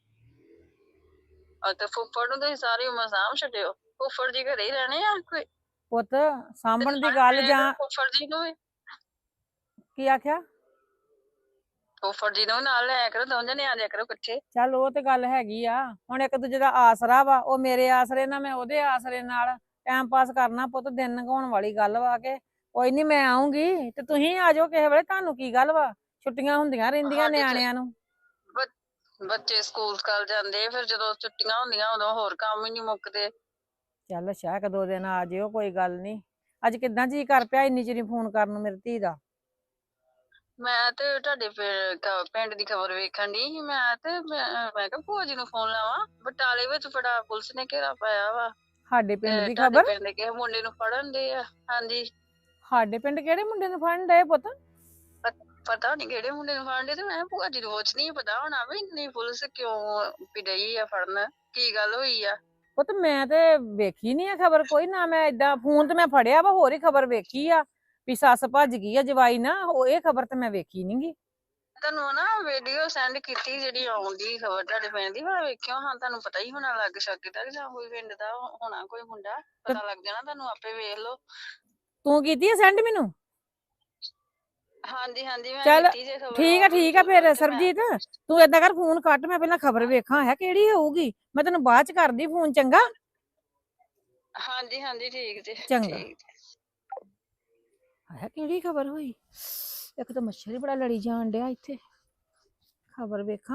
Speaker 10: ਆ ਤੇ ਫੁੱਫੜ ਨੂੰ ਤੁਸੀਂ ਸਾਰੀ ਉਮਰ ਸਾਂਭ ਛੱਡਿਓ, ਫੁੱਫੜ ਜੀ ਘਰੇ ਹੀ ਰਹਿਣੇ ਆ ਕੋਈ?
Speaker 7: ਪੁੱਤ ਸਾਂਭਣ ਦੀ ਗੱਲ ਜਾਂ
Speaker 10: ਫੁੱਫੜ ਜੀ ਨੂੰ ਵੀ
Speaker 7: ਕੀ ਆਖਿਆ?
Speaker 10: ਫੁੱਫੜ ਜੀ ਨੂੰ ਨਾਲ ਲੈ ਕਰੋ, ਦੋਵੇਂ ਜਣੇ ਆ ਜਾਇਆ ਕਰੋ ਇਕੱਠੇ।
Speaker 7: ਚੱਲ ਉਹ ਤੇ ਗੱਲ ਹੈਗੀ ਆ, ਹੁਣ ਇੱਕ ਦੂਜੇ ਦਾ ਆਸਰਾ ਵਾ, ਉਹ ਮੇਰੇ ਆਸਰੇ ਨਾਲ ਮੈਂ ਉਹਦੇ ਆਸਰੇ ਨਾਲ ਟਾਈਮ ਪਾਸ ਕਰਨਾ ਪੁੱਤ, ਦਿਨ ਲੰਘਾਉਣ ਵਾਲੀ ਗੱਲ ਵਾ ਕੇ। ਕੋਈ ਨੀ ਮੈਂ ਆਉਂਗੀ ਤੇ ਤੁਸੀਂ ਆ ਜਾਓ ਕਿਸੇ ਵੇਲੇ, ਤੁਹਾਨੂੰ ਕੀ ਗੱਲ ਵਾ, ਛੁੱਟੀਆਂ ਹੁੰਦੀਆਂ ਰਹਿੰਦੀਆਂ
Speaker 10: ਸਾਡੇ ਤੇ-
Speaker 7: ਨਿਆਣਿਆਂ ਨੂੰ।
Speaker 10: ਬੱਚੇ ਸਕੂਲ ਸਕਾਲ ਜਾਂਦੇ, ਫਿਰ ਜਦੋਂ ਛੁੱਟੀਆਂ ਹੁੰਦੀਆਂ ਉਦੋਂ ਹੋਰ ਕੰਮ ਹੀ ਨਹੀਂ ਮੁੱਕਦੇ।
Speaker 7: ਚੱਲ ਅੱਛਾ ਇੱਕ ਦੋ ਦਿਨ ਆ ਜਿਓ, ਕੋਈ ਗੱਲ ਨੀ। ਅੱਜ ਕਿੱਦਾਂ ਜੀ ਕਰ ਪਿਆ ਇੰਨੀ ਚਿਰ ਫੋਨ ਕਰਨ ਨੂੰ ਮੇਰੀ ਧੀ ਦਾ?
Speaker 10: ਮੈਂ ਤੇ ਤੁਹਾਡੇ ਪਿੰ- ਕ- ਪਿੰਡ ਦੀ ਖਬਰ ਵੇਖਣ ਦੀ ਸੀ, ਮੈਂ ਤੇ ਮੈਂ ਮੈਂ ਕਿਹਾ ਭੂਆ ਜੀ ਨੂੰ ਫੋਨ ਲਾਵਾਂ। ਬਟਾਲੇ ਵਿੱਚ ਬੜਾ ਪੁਲਿਸ ਨੇ ਘੇਰਾ ਪਾਇਆ ਵਾ,
Speaker 7: ਸਾਡੇ ਪਿੰਡ
Speaker 10: ਤੇ
Speaker 7: ਦੀ
Speaker 10: ਤੁਹਾਡੇ
Speaker 7: ਖਬਰ?
Speaker 10: ਪਿੰਡ ਦੇ ਕਿਸੇ ਮੁੰਡੇ ਨੂੰ ਫੜਨ ਦੇ ਆ। ਹਾਂਜੀ,
Speaker 7: ਸਾਡੇ ਪਿੰਡ ਕਿਹੜੇ ਮੁੰਡੇ ਨੂੰ ਫੜਨ ਡਏ ਪੁੱਤ?
Speaker 10: ਪਤਾ ਨੀ ਕਿਹੜੇ ਮੁੰਡੇ ਨੂੰ ਫੜਨ ਦੇ, ਤੇ ਮੈਂ ਭੂਆ ਜੀ ਨੂੰ ਪੁੱਛ ਨਹੀਂ ਪਤਾ ਹੋਣਾ ਵੀ ਇੰਨੀ ਪੁਲਿਸ ਕਿਉਂ ਵੀ ਡਈ ਆ ਫੜਨ, ਕੀ ਗੱਲ ਹੋਈ ਆ?
Speaker 7: ਪੁੱਤ ਮੈਂ ਤੇ ਵੇਖੀ ਨੀ ਆ ਖਬਰ ਕੋਈ, ਨਾ ਮੈਂ ਏਦਾਂ ਫੋਨ ਤੇ ਮੈਂ ਫੜਿਆ ਵਾ, ਹੋਰ ਹੀ ਖਬਰ ਵੇਖੀ ਆ ਵੀ ਸੱਸ ਭੱਜ ਗਈ ਆ ਜਵਾਈ ਨਾ, ਉਹ ਇਹ ਖਬਰ ਤੇ ਮੈਂ ਵੇਖੀ ਨੀ ਗੀ।
Speaker 10: ਤੁਹਾਨੂੰ ਨਾ ਵੀਡੀਓ ਸੈਂਡ ਕੀਤੀ ਜਿਹੜੀ ਆਉਂਦੀ ਖਬਰ ਤੁਹਾਡੇ ਪਿੰਡ ਦੀ, ਮੈਂ ਵੇਖਿਓ ਹਾਂ, ਤੁਹਾਨੂੰ ਪਤਾ ਹੀ ਹੋਣਾ ਲੱਗ ਸਕਦਾ ਜਾਂ ਕੋਈ ਪਿੰਡ ਦਾ ਹੋਣਾ ਕੋਈ ਮੁੰਡਾ, ਪਤਾ ਲੱਗ ਜਾਣਾ ਤੁਹਾਨੂੰ, ਆਪੇ ਵੇਖ ਲਓ।
Speaker 7: ਤੂੰ ਕੀਤੀ ਆ ਸੈਂਡ ਮੈਨੂੰ?
Speaker 10: ਹਾਂਜੀ ਹਾਂਜੀ ਮੈਂ
Speaker 7: ਚੱਲ
Speaker 10: ਕੀਤੀ ਜੇ ਖਬਰ।
Speaker 7: ਠੀਕ ਆ ਠੀਕ ਆ ਫਿਰ ਸਰਬਜੀਤ, ਤੂੰ ਏਦਾਂ ਕਰ ਫੋਨ ਕੱਟ, ਮੈਂ ਪਹਿਲਾਂ ਖਬਰ ਵੇਖਾਂ ਹੈ ਕਿਹੜੀ ਹੋਊਗੀ, ਮੈਂ ਤੈਨੂੰ ਬਾਅਦ ਚ ਕਰਦੀ ਫੋਨ, ਚੰਗਾ?
Speaker 10: ਹਾਂਜੀ ਹਾਂਜੀ ਠੀਕ ਜੀ,
Speaker 7: ਚੰਗਾ।
Speaker 10: ਠੀਕ।
Speaker 7: ਹੈ ਕਿਹੜੀ ਖਬਰ ਹੋਈ? ਇੱਕ ਤਾਂ ਮੱਛਰ ਹੀ ਬੜਾ ਲੜੀ ਜਾਣ ਡਿਆ ਇੱਥੇ, ਖਬਰ ਵੇਖਾਂ।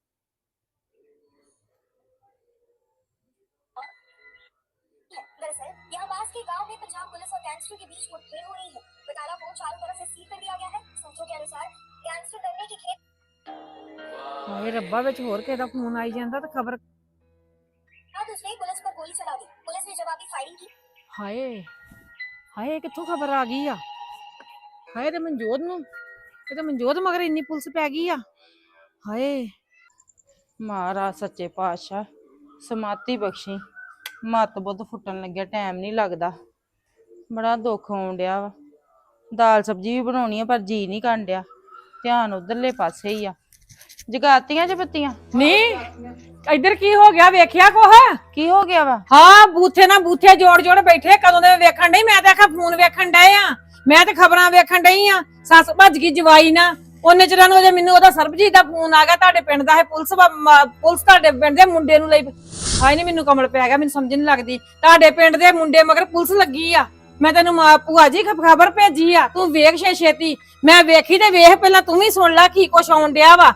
Speaker 6: दरअसल यहाँ पास के गांव में पंजाब पुलिस और गैंगस्टर के बीच मुठभेड़ हो रही है। बटाला फोर्ट चारों तरफ से सील कर दिया गया है। सूत्रों के अनुसार गैंगस्टर डरने की खेत
Speaker 7: ਹਾਏ ਰੱਬਾ, ਵਿੱਚ ਹੋਰ ਕਿਸੇ ਦਾ ਫੋਨ ਆਈ ਜਾਂਦਾ ਤੇ ਖਬਰ।
Speaker 6: बाद उसने पुलिस पर गोली चला दी। पुलिस ने जवाबी फायरिंग की।
Speaker 7: ਹਾਏ ਹਾਏ ਕਿੱਥੋਂ ਖਬਰ ਆ ਗਈ ਆ? ਹਾਏ ਤੇ ਮਨਜੋਤ ਨੂੰ, ਇਹ ਤਾਂ ਮਨਜੋਤ ਮਗਰ ਇੰਨੀ ਪੁਲਿਸ ਪੈ ਗਈ ਆ। ਹਾਏ
Speaker 5: ਮਹਾਰਾਜ ਸੱਚੇ ਪਾਤਸ਼ਾਹ ਸਮਾਤੀ ਬਖਸ਼ੀ, ਮੱਤ ਬੁੱਧ ਫੁੱਟਣ ਲੱਗਿਆ, ਟਾਈਮ ਨਹੀਂ ਲੱਗਦਾ, ਬੜਾ ਦੁੱਖ ਆਉਣ ਡਿਆ ਵਾ। ਦਾਲ ਸਬਜ਼ੀ ਵੀ ਬਣਾਉਣੀ ਆ ਪਰ ਜੀ ਨਹੀਂ ਕਰਨ ਡਿਆ, ਧਿਆਨ ਉਧਰਲੇ ਪਾਸੇ ਹੀ ਆ। ਜਗਾਤੀਆਂ ਚ ਬੱਤੀਆਂ?
Speaker 7: ਨਹੀਂ ਇੱਧਰ ਕੀ ਹੋ ਗਿਆ, ਵੇਖਿਆ ਕੋਹ?
Speaker 5: ਕੀ ਹੋ ਗਿਆ ਵਾ?
Speaker 7: ਹਾਂ ਬੂਥੇ ਨਾ ਬੂਥੇ ਜੋੜ ਜੋੜ ਬੈਠੇ, ਕਦੋਂ ਦੇ ਵੇਖਣ ਡਈ, ਮੈਂ ਤਾਂ ਆਖਾ ਫੋਨ ਵੇਖਣ ਡਏ ਆ, ਮੈਂ ਤੇ ਖਬਰਾਂ ਵੇਖਣ ਡਈ ਆ। ਸੱਸ ਭੱਜ ਗਈ ਜਵਾਈ ਨਾ, ਉਹਨੇ ਚਿਰਾਂ ਨੂੰ ਜੇ ਮੈਨੂੰ ਉਹਦਾ ਸਰਬਜੀਤ ਦਾ ਫੋਨ ਆ ਗਿਆ, ਤੁਹਾਡੇ ਪਿੰਡ ਦਾ ਹੈ ਪੁਲਿਸ ਪੁਲਿਸ ਤੁਹਾਡੇ ਪਿੰਡ ਦੇ ਮੁੰਡੇ ਨੂੰ ਲਈ। ਹਾਏ ਨੀ ਮੈਨੂੰ ਕਮਲ ਪੈ ਗਿਆ, ਮੈਨੂੰ ਸਮਝ ਨਹੀਂ ਲੱਗਦੀ, ਤੁਹਾਡੇ ਪਿੰਡ ਦੇ ਮੁੰਡੇ ਮਗਰ ਪੁਲਿਸ ਲੱਗੀ ਆ। ਮੈਂ ਤੈਨੂੰ ਮਾਂ ਭੂਆ ਜੀ ਖਬਰ ਭੇਜੀ ਆ, ਤੂੰ ਵੇਖ ਛੇ ਛੇਤੀ। ਮੈਂ ਵੇਖੀ ਤੇ ਵੇਖ ਪਹਿਲਾਂ, ਤੂੰ ਵੀ ਸੁਣ ਲੈ ਕੀ ਕੁਛ ਆਉਣ ਡਿਆ ਵਾ।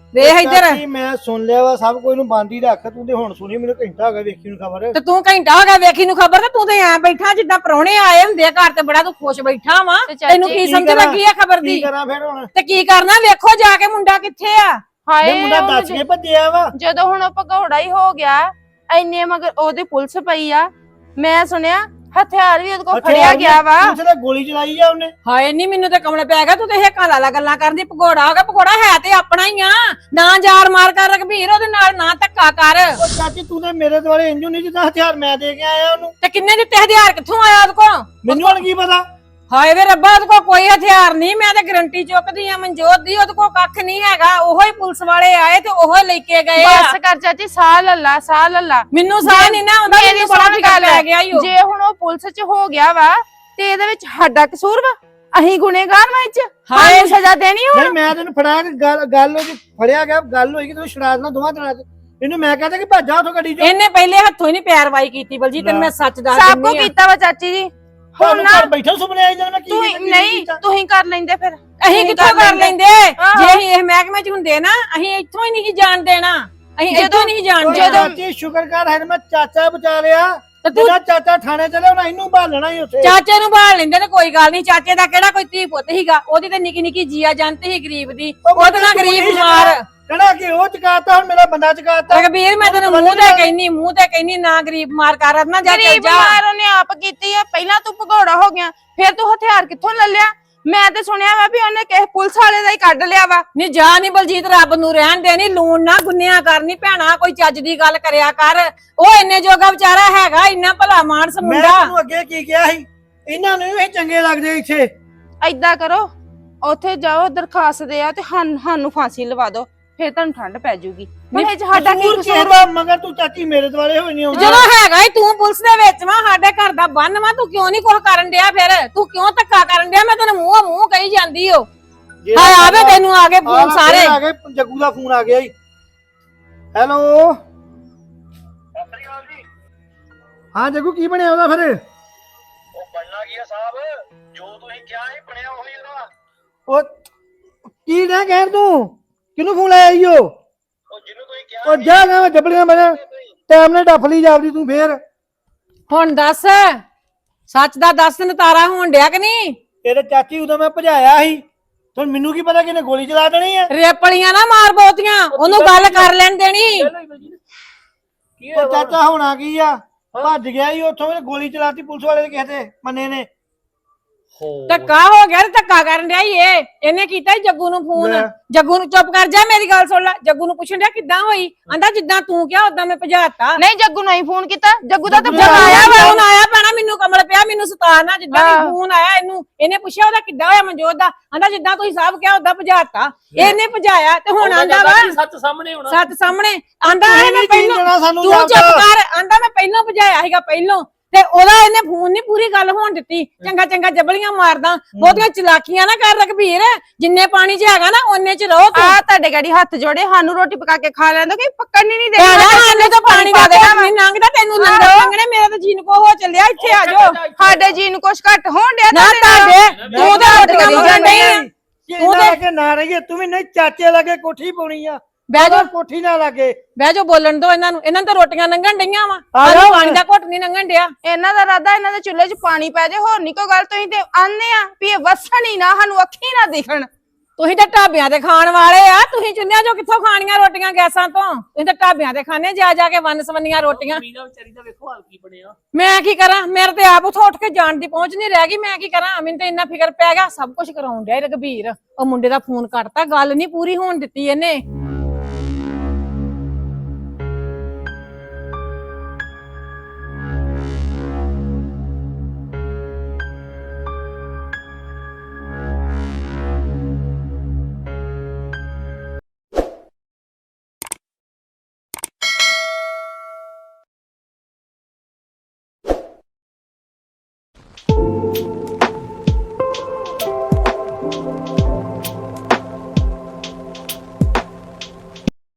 Speaker 7: ਵੇਖ ਇੱਧਰ
Speaker 4: ਚਾਚੀ ਮੈਂ ਸੁਣ ਲਿਆ ਵਾ ਸਭ ਕੁਝ ਨੂੰ ਬੰਦ ਹੀ ਰੱਖ ਤੂੰ ਤੇ ਹੁਣ ਸੁਣੀ ਮੈਨੂੰ ਘੰਟਾ ਹੋ ਗਿਆ ਵੇਖੀ ਨੂੰ ਖਬਰ
Speaker 7: ਤੇ ਤੂੰ ਘੰਟਾ ਹੋ ਗਿਆ ਵੇਖੀ ਨੂੰ ਖਬਰ ਤੇ ਤੂੰ ਤੇ ਐ ਬੈਠਾ ਜਿੱਦਾਂ ਪ੍ਰਾਹੁਣੇ ਆਏ ਹੁੰਦੇ ਆ ਘਰ ਤੇ ਬੜਾ ਤੂੰ ਖੁਸ਼ ਬੈਠਾ ਵਾ
Speaker 5: ਤੇ ਚਾਚੀ
Speaker 7: ਤੈਨੂੰ ਕੀ
Speaker 4: ਕੀ
Speaker 7: ਸਮਝ
Speaker 4: ਕਰਾਂ?
Speaker 7: ਲੱਗੀ ਆ ਖਬਰ
Speaker 4: ਕੀ
Speaker 7: ਦੀ
Speaker 4: ਕਰਾਂ ਫਿਰ ਹੁਣ
Speaker 7: ਤੇ ਕੀ ਕਰਨਾ ਵੇਖੋ ਜਾ ਕੇ ਮੁੰਡਾ ਕਿੱਥੇ ਆ
Speaker 4: ਇਹ
Speaker 5: ਹਾਏ
Speaker 4: ਮੁੰਡਾ
Speaker 5: ਉਹਨੂੰ
Speaker 4: ਦੱਸ ਕੇ ਭੱਜਿਆ ਵਾ
Speaker 5: ਜਦੋਂ ਹੁਣ ਉਹ ਭਗੌੜਾ ਹੀ ਹੋ ਗਿਆ ਐਨੇ ਮਗਰ ਉਹਦੇ ਪੁਲਿਸ ਪਈ ਆ ਮੈਂ ਸੁਣਿਆ ਹਥਿਆਰ ਵੀ ਉਹਦੇ ਕੋਲ ਫੜਿਆ ਗਿਆ ਵਾ
Speaker 4: ਤੂੰ ਤੇ ਗੋਲੀ ਚਲਾਈ ਆ ਉਹਨੇ
Speaker 7: ਹਾਏ ਨਹੀਂ ਮੈਨੂੰ ਤੇ ਕਮਲ ਪੈ ਗਿਆ ਤੂੰ ਤੇ ਹੇਕਾਂ ਲਾਲਾ ਗੱਲਾਂ ਕਰਦੀ ਭਗੌੜਾ ਹੋ ਗਿਆ ਭਗੌੜਾ ਹੈ ਤੇ ਆਪਣਾ ਹੀ ਆ ਨਾ ਯਾਰ ਮਾਰ ਕਰ ਰਘਬੀਰ ਉਹਦੇ ਨਾਲ ਨਾ ਧੱਕਾ ਕਰ
Speaker 4: ਉਹ ਚਾਚੀ ਤੂੰ ਤੇ ਮੇਰੇ ਦੁਆਲੇ ਇੰਜੂ ਨਹੀਂ ਜਿੱਦਾਂ ਹਥਿਆਰ ਮੈਂ ਦੇ ਕੇ ਆਇਆ ਉਹਨੂੰ
Speaker 7: ਤੇ ਕਿੰਨੇ ਦਿੱਤੇ ਹਥਿਆਰ ਕਿੱਥੋਂ ਆਇਆ ਉਹਦੇ ਕੋਲ
Speaker 4: ਮੈਨੂੰ ਹੁਣ ਕੀ ਪਤਾ
Speaker 7: ਹਾਏ ਵੇ ਰੱਬਾ ਉਹਦੇ ਕੋਲ ਕੋਈ ਹਥਿਆਰ ਨਹੀਂ ਮੈਂ ਤੇ ਗਰੰਟੀ ਚੁੱਕਦੀ ਆ ਮਨਜੋਤ ਦੀ ਉਹਦੇ ਕੋਲ ਕੱਖ ਨਹੀਂ ਹੈਗਾ ਉਹੋ ਹੀ ਪੁਲਿਸ ਵਾਲੇ ਆਏ ਤੇ ਉਹੋ ਲੈ ਕੇ ਗਏ ਆ
Speaker 5: ਬਸ ਕਰ ਚਾਚੀ ਸਾਹ ਲੱਲਾ ਸਾਹ ਲੱਲਾ
Speaker 7: ਮੈਨੂੰ ਸਾਹ ਨਹੀਂ ਨਾ ਆਉਂਦਾ
Speaker 5: ਮੇਰੀ
Speaker 7: ਮੈਨੂੰ ਬੜਾ
Speaker 5: ਸੁਣ
Speaker 7: ਫਿਕਰ
Speaker 5: ਗੱਲ
Speaker 7: ਪੈ ਗਿਆ ਈ ਓ।
Speaker 5: ਜੇ ਹੁਣ ਉਹ ਪੁਲਿਸ 'ਚ ਹੋ ਗਿਆ ਵਾ ਤੇ ਇਹਦੇ ਵਿੱਚ ਸਾਡਾ ਕਸੂਰ ਵਾ ਅਹੀਂ ਗੁਨੇਗਾਰ ਵਾ ਇਹ 'ਚ
Speaker 7: ਹਾਏ
Speaker 5: ਸਾਨੂੰ ਸਜ਼ਾ ਦੇਣੀ ਹੁਣ
Speaker 4: ਨਹੀਂ ਮੈਂ ਤੈਨੂੰ ਫੜਾ ਕੇ ਗੱਲ ਗੱਲ ਉਹਦੀ ਫੜਿਆ ਗਿਆ ਗੱਲ ਹੋਈ ਕਿ ਤੈਨੂੰ ਛੜਾ ਦੇਣਾ ਦੋਵਾਂ ਦਿਨਾਂ ਚ ਇਹਨੂੰ ਮੈਂ ਕਹਤਾ ਕਿ ਭੱਜਾ ਉਥੋਂ ਗੱਡੀ ਚੋਂ
Speaker 7: ਇਹਨੇ ਪਹਿਲੇ ਹੱਥੋਂ ਹੀ ਨਹੀਂ ਪੈਰਵਾਈ ਕੀਤੀ ਬਲਜੀ ਤੈਨੂੰ ਮੈਂ ਸੱਚ ਦੱਸ
Speaker 5: ਸਭ ਕੁਝ
Speaker 7: ਦਿੰਦੀ ਆ
Speaker 5: ਕੀਤਾ ਵਾ ਚਾਚੀ ਜੀ ਹੁਣ
Speaker 4: ਹੁਣ
Speaker 5: ਨਾ
Speaker 4: ਘਰ ਬੈਠਾ ਸੁਪਨੇ ਆਈ ਜਦੋਂ ਮੈਂ ਕੀ
Speaker 5: ਤੂੰ
Speaker 4: ਕੀਤਾ, ਕੀ
Speaker 5: ਨਹੀਂ
Speaker 4: ਕੀਤਾ।
Speaker 5: ਤੂੰ ਹੀ ਕਰ ਲੈਂਦੇ ਫਿਰ
Speaker 7: ਅਸੀਂ
Speaker 5: ਤੂੰ
Speaker 7: ਕਿੱਥੋਂ ਕਰ ਲੈਂਦੇ
Speaker 5: ਆਹੋ।
Speaker 7: ਜੇ ਅਸੀਂ ਇਹ ਮਹਿਕਮੇ 'ਚ ਹੁੰਦੇ ਨਾ ਅਸੀਂ ਇੱਥੋਂ ਹੀ ਨਹੀਂ ਜਾਣ ਦੇਣਾ ਅਸੀਂ ਇੱਥੋਂ ਨਹੀਂ ਜਾਣ
Speaker 4: ਉਹ
Speaker 7: ਦੇਣਾ
Speaker 4: ਚਾਚੀ ਸ਼ੁਕਰ ਕਰ ਹੈ ਮੈਂ ਚਾਚਾ ਬਚਾ ਲਿਆ
Speaker 7: ਤੇ ਤੂੰ
Speaker 4: ਜਿਹੜਾ ਚਾਚਾ ਥਾਣੇ ਚਲੇ ਹੁਣ ਇਹਨੂੰ ਭਾਲਣਾ ਹੀ ਉੱਥੇ
Speaker 7: ਚਾਚੇ ਨੂੰ ਭਾਲ ਲੈਂਦੇ ਤੇ ਕੋਈ ਗੱਲ ਨਹੀਂ ਚਾਚੇ ਦਾ ਕਿਹੜਾ ਕੋਈ ਧੀ ਪੁੱਤ ਹੀਗਾ ਉਹਦੀ ਤੇ ਨਿੱਕੀ ਨਿੱਕੀ ਜੀਆ ਜਾਂਦੀ ਸੀ ਗਰੀਬ ਦੀ ਉਹਦੇ ਨਾਲ ਗਰੀਬ ਮਾਰ
Speaker 4: ਕਹਿਣਾ ਕਿ ਉਹ ਚਕਾਤਾ ਹੁਣ ਮੇਰਾ ਬੰਦਾ ਚਕਾਤਾ
Speaker 7: ਰਘਬੀਰ ਮੈਂ ਤੈਨੂੰ ਮੂੰਹ ਤੇ ਕਹਿਨੀ ਮੂੰਹ ਤੇ ਕਹਿਨੀ ਨਾ ਗਰੀਬ ਮਾਰ ਕਰ ਨਾ ਜਾ ਚੱਲ
Speaker 5: ਗਰੀਬ
Speaker 7: ਜਾ
Speaker 5: ਮਾਰ ਉਹਨੇ ਆਪ ਕੀਤੀ ਆ ਪਹਿਲਾਂ ਤੂੰ ਭਗੌੜਾ ਹੋ ਗਿਆ ਫਿਰ ਤੂੰ ਹਥਿਆਰ ਕਿੱਥੋਂ ਲੈ ਲਿਆ ਮੈਂ ਤੇ ਸੁਣਿਆ ਵਾ ਵੀ ਉਹਨੇ ਕਿਸੇ ਪੁਲਿਸ ਵਾਲੇ ਦਾ ਹੀ ਕੱਢ ਲਿਆ ਵਾ
Speaker 7: ਨਹੀਂ ਜਾ ਨਹੀਂ ਬਲਜੀਤ ਰੱਬ ਨੂੰ ਰਹਿਣ ਦੇ ਨਹੀਂ ਲੂਣ ਨਾ ਗੁੰਨਿਆ ਕਰਨੀ ਭੈਣਾ ਕੋਈ ਚੱਜ ਦੀ ਗੱਲ ਕਰਿਆ ਕਰ ਉਹ ਇੰਨੇ ਜੋਗਾ ਵਿਚਾਰਾ ਹੈਗਾ ਇੰਨਾ ਭਲਾ ਮਾਨਸ
Speaker 4: ਮੈਂ
Speaker 7: ਮੁੰਡਾ
Speaker 4: ਤੈਨੂੰ ਅੱਗੇ ਕੀ ਕਿਹਾ ਸੀ ਇਹਨਾਂ ਨੂੰ ਇਹ ਚੰਗੇ ਲੱਗਦੇ ਇੱਥੇ
Speaker 5: ਐਦਾਂ ਕਰੋ ਉੱਥੇ ਜਾਓ ਦਰਖਾਸਤ ਦੇ ਆ ਤੇ ਸਾਨੂੰ ਸਾਨੂੰ ਫਾਂਸੀ ਲਵਾ ਦਿਓ ਫਿਰ ਤੁਹਾਨੂੰ ਠੰਡ ਪੈ ਜਾਊਗੀ ਹੁਣ ਇਹ 'ਚ ਸਾਡਾ ਕੀ
Speaker 4: ਕਸੂਰ
Speaker 5: ਕਸੂਰ
Speaker 4: ਕਿਹਦਾ ਮਗਰ ਤੂੰ ਚਾਚੀ ਮੇਰੇ ਦੁਆਲੇ ਹੋਈ ਨਹੀਂ ਆਉਂਦੀ
Speaker 7: ਜਦੋਂ ਹੈਗਾ ਈ ਤੂੰ ਪੁਲਿਸ ਦੇ ਵਿੱਚ ਵਾ ਸਾਡੇ ਘਰ ਦਾ ਬੰਨ ਵਾ ਤੂੰ ਕਿਉਂ ਨਹੀਂ ਕੁਝ ਕਰਨ ਡਿਆ ਫਿਰ ਤੂੰ ਕਿਉਂ ਧੱਕਾ ਕਰਨ ਡਿਆ ਮੈਂ ਤੈਨੂੰ ਮੂੰਹ ਮੂੰਹ ਕਹੀ ਜਾਂਦੀ ਓ ਹਾਏ ਆਵੇ ਤੈਨੂੰ ਆ ਗਏ ਫੋਨ ਸਾਰੇ
Speaker 4: ਆ ਗਏ ਜੱਗੂ ਦਾ ਫੋਨ ਆ ਗਿਆ ਜੀ ਹੈਲੋ ਹਾਂ ਜੱਗੂ ਕੀ ਬਣਿਆ ਉਹਦਾ ਫਿਰ
Speaker 8: ਉਹ ਬਣਨਾ ਕੀ ਆ ਸਾਹਿਬ ਜੋ ਤੁਸੀਂ ਕਿਹਾ ਸੀ ਬਣਿਆ ਉਹੀ ਉਹਦਾ
Speaker 4: ਉਹ ਕੀ ਨਾ ਕਹਿਣ ਤੂੰ ਕਿਹਨੂੰ ਫੋਨ ਲਾਇਆ ਈ ਓ
Speaker 8: ਉਹ ਜਿਹਨੂੰ ਤੁਸੀਂ ਕਿਹਾ
Speaker 4: ਉਹ ਜਾ ਗਾ ਜਬੜੀਆਂ ਬਣੇ ਟਾਈਮ ਨਾਲ ਡੱਫ ਲਈ ਜਾਵਦੀ ਤੂੰ ਫੇਰ
Speaker 7: ਹੁਣ ਦੱਸ ਸੱਚ ਦਾ ਦੱਸ ਨਤਾਰਾ ਹੋਣ ਡਿਆ ਕਿ ਨਹੀਂ
Speaker 4: ਤੇਰੇ ਚਾਚੀ ਉਦੋਂ ਮੈਂ ਭਜਾਇਆ ਸੀ ਹੁਣ ਮੈਨੂੰ ਕੀ ਪਤਾ ਕਿ ਇਹਨੇ ਗੋਲੀ ਚਲਾ ਦੇਣੀ ਆ
Speaker 7: ਰੇਪਲੀਆਂ ਨਾ ਮਾਰ ਬਹੁਤੀਆਂ ਉਹਨੂੰ ਗੱਲ ਕਰ ਲੈਣ ਦੇਣੀ
Speaker 3: ਕੀ
Speaker 4: ਉਹ ਚਾਚਾ ਹੋਣਾ ਕੀ ਆ ਭੱਜ ਗਿਆ ਈ ਉੱਥੋਂ ਇਹਨੇ ਗੋਲੀ ਚਲਾਤੀ ਪੁਲਿਸ ਵਾਲੇ ਦੇ ਕਿਸੇ ਤੇ ਮੰਨੇ ਨੇ
Speaker 7: ਧੱਕਾ ਹੋ ਗਿਆ ਤੇ ਧੱਕਾ ਕਰਨ ਡਿਆ ਈ ਇਹ ਇਹਨੇ ਕੀਤਾ ਈ ਜੱਗੂ ਨੂੰ ਫੋਨ
Speaker 4: ਲੈ।
Speaker 7: ਜੱਗੂ ਨੂੰ ਚੁੱਪ ਕਰ ਜਾ ਮੇਰੀ ਗੱਲ ਸੁਣ ਲੈ ਜੱਗੂ ਨੂੰ ਪੁੱਛਣ ਡਿਆ ਕਿੱਦਾਂ ਹੋਈ ਆਂਦਾ ਜਿੱਦਾਂ ਤੂੰ ਕਿਹਾ ਉਦਾਂ ਮੈਂ ਭਜਾਤਾ
Speaker 5: ਨਹੀਂ ਜੱਗੂ ਨੂੰ ਹੀ ਫੋਨ ਕੀਤਾ ਜੱਗੂ ਦਾ ਤਾਂ
Speaker 4: ਜੱਗੂ
Speaker 7: ਜਦ
Speaker 5: ਫੋਨ
Speaker 7: ਆਇਆ
Speaker 5: ਆਇਆ ਵਾ
Speaker 7: ਫੋਨ ਆਇਆ ਪੈਣਾ ਮੈਨੂੰ ਕਮਲ ਪਿਆ ਮੈਨੂੰ ਸਤਾਰਨਾ ਜਿੱਦਾਂ
Speaker 5: ਹਾਂ।
Speaker 7: ਵੀ ਫੋਨ ਆਇਆ ਇਹਨੂੰ ਇਹਨੇ ਪੁੱਛਿਆ ਉਹਦਾ ਕਿੱਦਾਂ ਹੋਇਆ ਮਨਜੋਤ ਦਾ ਆਂਦਾ ਜਿੱਦਾਂ ਤੁਸੀਂ ਸਭ ਕਿਹਾ ਉਦਾਂ ਭਜਾਤਾ ਇਹਨੇ ਭਜਾਇਆ ਤੇ ਹੁਣ ਆਂਦਾ ਵਾ
Speaker 3: ਸੱਚ ਸਾਹਮਣੇ ਹੋਣਾ
Speaker 7: ਸੱਤ ਸਾਹਮਣੇ ਆਂਦਾ
Speaker 4: ਤੁਸੀਂ
Speaker 7: ਮੈਂ
Speaker 4: ਨੀ
Speaker 7: ਪਹਿਲਾਂ
Speaker 4: ਦੇਣਾ ਸਾਨੂੰ
Speaker 7: ਤੂੰ
Speaker 4: ਜਵਾਬ।
Speaker 7: ਚੁੱਪ ਕਰ ਆਂਦਾ ਮੈਂ ਪਹਿਲਾਂ ਭਜਾਇਆ ਸੀਗਾ ਪਹਿਲਾਂ ਤੇ ਉਹਦਾ ਇਹਨੇ ਫੋਨ ਨਹੀਂ ਪੂਰੀ ਗੱਲ ਹੋਣ ਦਿੱਤੀ ਚੰਗਾ ਚੰਗਾ ਜਬਲੀਆਂ ਮਾਰਦਾ ਬਹੁਤੀਆਂ ਚਲਾਕੀਆਂ ਨਾ ਕਰ ਰਘਬੀਰ ਜਿੰਨੇ ਪਾਣੀ 'ਚ ਹੈਗਾ ਨਾ ਉਹਨੇ 'ਚ ਰਹੋ ਤੂੰ
Speaker 5: ਆ ਤੁਹਾਡੇ ਗਾੜੀ ਹੱਥ ਜੋੜੇ ਸਾਨੂੰ ਰੋਟੀ ਪਕਾ ਕੇ ਖਾ ਲੈਂਦਾ ਕਿ ਪੱਕਣ ਹੀ ਨਹੀਂ
Speaker 7: ਭੈਣਾ
Speaker 5: ਦੇਣਾ
Speaker 7: ਸਾਨੂੰ ਤਾਂ ਪਾਣੀ ਦਾ ਦੇਣਾ ਨਹੀਂ ਲੰਘਦਾ ਤੈਨੂੰ ਲੰਗਰ ਲੰਗਣੇ ਮੇਰੇ ਤਾਂ ਜੀਨ ਕੋ ਹੋ ਚੱਲਿਆ ਇੱਥੇ ਆ ਜਾਓ
Speaker 5: ਸਾਡੇ ਜੀ ਨੂੰ ਕੁਛ ਘੱਟ ਹੋਣ ਡਿਆ
Speaker 7: ਨਾ
Speaker 5: ਤੁਹਾਡੇ ਨਾਲ।
Speaker 7: ਤੁਹਾਡੇ ਤੂੰ ਤਾਂ ਰੋਟੀਆਂ ਮੰਗਣ ਨਹੀਂ ਆ
Speaker 4: ਤੂੰ ਤੇ ਨਾ ਰਹੀਏ ਤੂੰ ਵੀ ਨਹੀਂ ਚਾਚੇ ਲਾਗੇ ਕੋਠੀ ਪਾਉਣੀ ਆ
Speaker 7: ਬਹਿ ਜਾ
Speaker 4: ਕੋਠੀ ਨਾ ਲਾਗੇ
Speaker 7: ਬਹਿ ਜਾ ਬੋਲਣ ਦੋ ਇਹਨਾਂ ਨੂੰ ਇਹਨਾਂ ਨੂੰ ਤਾਂ ਰੋਟੀਆਂ ਲੰਘਣ ਡਈਆਂ ਵਾ
Speaker 4: ਆ
Speaker 7: ਸਾਨੂੰ
Speaker 4: ਜਾਓ।
Speaker 7: ਪਾਣੀ ਦਾ ਘੁੱਟ ਨਹੀਂ ਲੰਘਣ ਡਿਆ
Speaker 5: ਇਹਨਾਂ ਦਾ ਇਰਾਦਾ ਇਹਨਾਂ ਦੇ ਚੁੱਲ੍ਹੇ 'ਚ ਪਾਣੀ ਪੈ ਜਾਏ ਹੋਰ ਨਹੀਂ ਕੋਈ ਗੱਲ ਤੁਸੀਂ ਤੇ ਆਨੇ ਆ ਵੀ ਇਹ ਵਸਣ ਹੀ ਨਾ ਸਾਨੂੰ ਅੱਖੀ ਨਾ ਦਿਖਣ
Speaker 7: ਤੁਸੀਂ ਤਾਂ ਢਾਬਿਆਂ ਤੇ ਖਾਣ ਵਾਲੇ ਆ ਤੁਸੀਂ ਚੁੱਲ੍ਹਿਆਂ 'ਚੋਂ ਕਿੱਥੋਂ ਖਾਣੀਆਂ ਰੋਟੀਆਂ ਗੈਸਾਂ ਤੋਂ ਤੁਸੀਂ ਤਾਂ ਢਾਬਿਆਂ ਤੇ ਖਾਣੇ ਜਾ ਜਾ ਕੇ ਵੰਨ ਸਵੰਨੀਆਂ ਰੋਟੀਆਂ
Speaker 3: ਮੀਨਾ ਵਿਚਾਰੀ ਦਾ ਵੇਖੋ ਹਾਲ ਕੀ ਬਣਿਆ
Speaker 7: ਮੈਂ ਕੀ ਕਰਾਂ ਮੇਰੇ ਤੇ ਆਪ ਉਥੋਂ ਉੱਠ ਕੇ ਜਾਣ ਦੀ ਪਹੁੰਚ ਨਹੀਂ ਰਹਿ ਗਈ ਮੈਂ ਕੀ ਕਰਾਂ ਮੈਨੂੰ ਤਾਂ ਇੰਨਾ ਫਿਕਰ ਪੈ ਗਿਆ ਸਭ ਕੁਝ ਕਰਾਉਣ ਡਿਆ ਇਹ ਰਘਬੀਰ ਉਹ ਮੁੰਡੇ ਦਾ ਫੋਨ ਕੱਟਤਾ ਗੱਲ ਨਹੀਂ ਪੂਰੀ ਹੋਣ ਦਿੱਤੀ ਇਹਨੇ